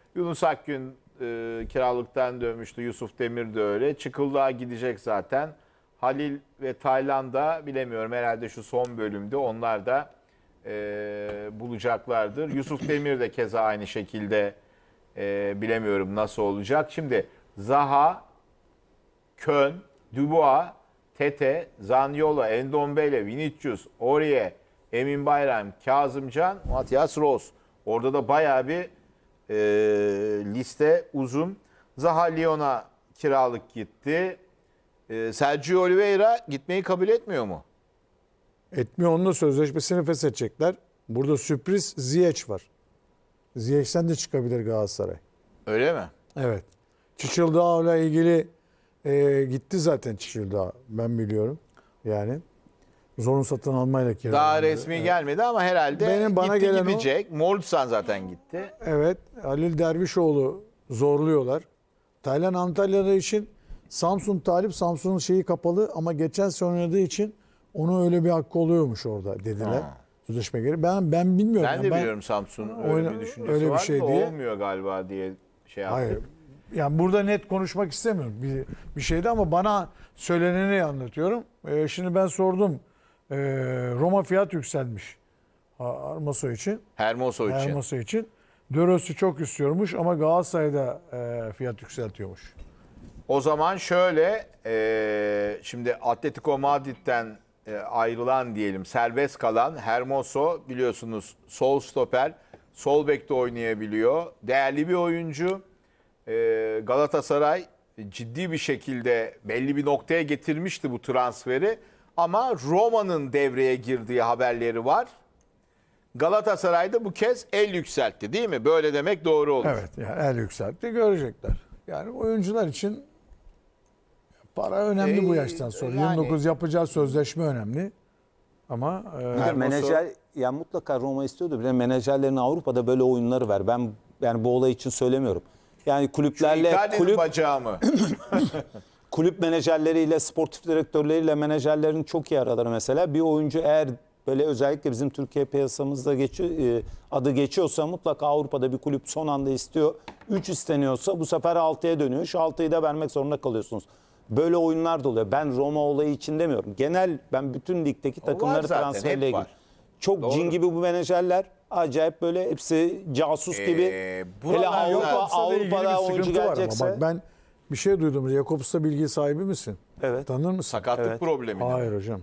Yunus Akgün kiralıktan dönmüştü. Yusuf Demir de öyle. Çıkıldağ gidecek zaten. Halil ve Taylan da bilemiyorum. Herhalde şu son bölümde onlar da bulacaklardır. Yusuf Demir de keza aynı şekilde bilemiyorum nasıl olacak. Şimdi Zaha, Kön, Dubois, Tete, Zaniolo, Endombele, Vinicius, Aurier, Emin Bayram, Kazımcan, Matias Ross. Orada da bayağı bir liste uzun. Zaha Lyon'a kiralık gitti. Sergio Oliveira gitmeyi kabul etmiyor mu? Etmiyor, onunla sözleşmesini feshedecekler. Burada sürpriz Ziyech var. Ziyech'ten de çıkabilir Galatasaray. Öyle mi? Evet. Çiçildağ'la ilgili gitti zaten Çiçildağ. Ben biliyorum. Yani zorun satın almayla kiralandı. Daha resmi gelmedi ama herhalde Bana gitti gelen o. gidecek. Moğolistan zaten gitti. Evet. Halil Dervişoğlu zorluyorlar. Taylan Antalya'da için Samsun talip. Samsun'un şeyi kapalı ama geçen sene oynadığı için onu öyle bir hakkı oluyormuş orada dediler. Sözleşme gereği. Ben bilmiyorum. Ben de biliyorum Samsun'un öyle bir düşüncesi öyle bir var şey da diye. olmuyor galiba diye şey yaptım. Hayır. Yani burada net konuşmak istemiyorum bir şeydi ama bana söyleneni anlatıyorum. Şimdi ben sordum. Roma fiyat yükselmiş. Hermoso için. Hermoso için. Hermoso için. Döros'u çok istiyormuş ama Galatasaray'da fiyat yükseltiyormuş. O zaman şöyle, şimdi Atletico Madrid'den ayrılan diyelim serbest kalan Hermoso biliyorsunuz sol stoper, sol bekte oynayabiliyor. Değerli bir oyuncu. Galatasaray ciddi bir şekilde belli bir noktaya getirmişti bu transferi. Ama Roma'nın devreye girdiği haberleri var. Galatasaray'da bu kez el yükseltti değil mi? Böyle demek doğru olur. Evet, yani el yükseltti, görecekler. Yani oyuncular için para önemli bu yaştan sonra. Yani- 29 yapacağı sözleşme önemli. Ama Menajer yani mutlaka Roma istiyordu. Bir de menajerlerin Avrupa'da böyle oyunları var. Ben yani bu olay için söylemiyorum. Yani kulüplerle Icardi'nin bacağı mı? kulüp menajerleriyle, sportif direktörleriyle menajerlerin çok iyi araları mesela. Bir oyuncu eğer böyle özellikle bizim Türkiye piyasamızda adı geçiyorsa mutlaka Avrupa'da bir kulüp son anda istiyor. 3 isteniyorsa bu sefer 6'ya dönüyor. Şu 6'yı da vermek zorunda kalıyorsunuz. Böyle oyunlar da oluyor. Ben Roma olayı için demiyorum. Genel ben bütün ligdeki takımları zaten, transferle hep ilgili. var. Çok Doğru. cin gibi bu menajerler. Acayip böyle hepsi casus gibi. Hele buralarda- Avrupa'da oyuncu gelecekse. Bak ben bir şey duydum. Jakobs'ta bilgi sahibi misin? Evet. Tanır mısın? Sakatlık Evet. problemi. Hayır hocam.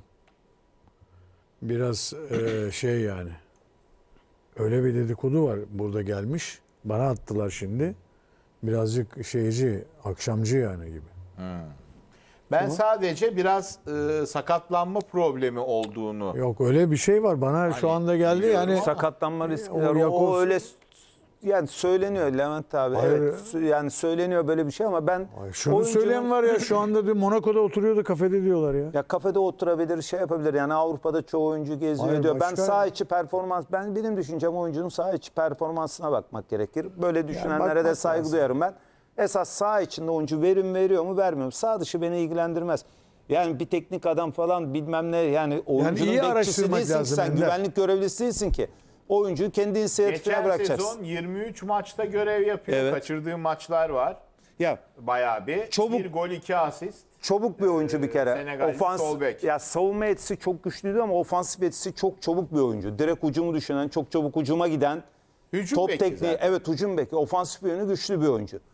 Biraz şey yani. Öyle bir dedikodu var burada gelmiş. Bana attılar şimdi. Birazcık şeyci, akşamcı yani gibi. Ben sadece biraz sakatlanma problemi olduğunu. Yok öyle bir şey var. Bana şu anda geldi biliyorum yani. ama- Sakatlanma riskleri Jakobs- o öyle yani söyleniyor Levent abi. Hayır. Evet yani söyleniyor böyle bir şey ama ben Ay, şunu oyuncunun- söyleyen var ya şu anda diyor, Monaco'da oturuyordu kafede diyorlar ya. ya kafede oturabilir, şey yapabilir. Yani Avrupa'da çoğu oyuncu geziyor Hayır, diyor. Ben başka- saha içi performans, benim düşüncem oyuncunun saha içi performansına bakmak gerekir. Böyle düşünenlere bakmak de saygı lazım. duyarım ben. Esas saha içinde oyuncu verim veriyor mu vermiyor mu? Saha dışı beni ilgilendirmez. Yani bir teknik adam falan bilmem ne yani oyuncunun iyi bekçisi araştırmak değilsin ki lazım sen, Ender. güvenlik görevlisi değilsin ki. Oyuncuyu kendi inisiyatifine Geçen bırakacaksın. sezon 23 maçta görev yapıyor. Evet. Kaçırdığı maçlar var. Ya Bayağı bir. Çabuk- 1 gol 2 asist. çabuk bir oyuncu bir kere. Senegalli sol bek. Ya savunma yetisi çok güçlüydü ama ofansif yetisi çok çabuk bir oyuncu. Direkt hücumu düşünen, çok çabuk hücuma giden, Hücum top beki tekniği, zaten. evet hücum beki, ofansif yönü güçlü bir oyuncu.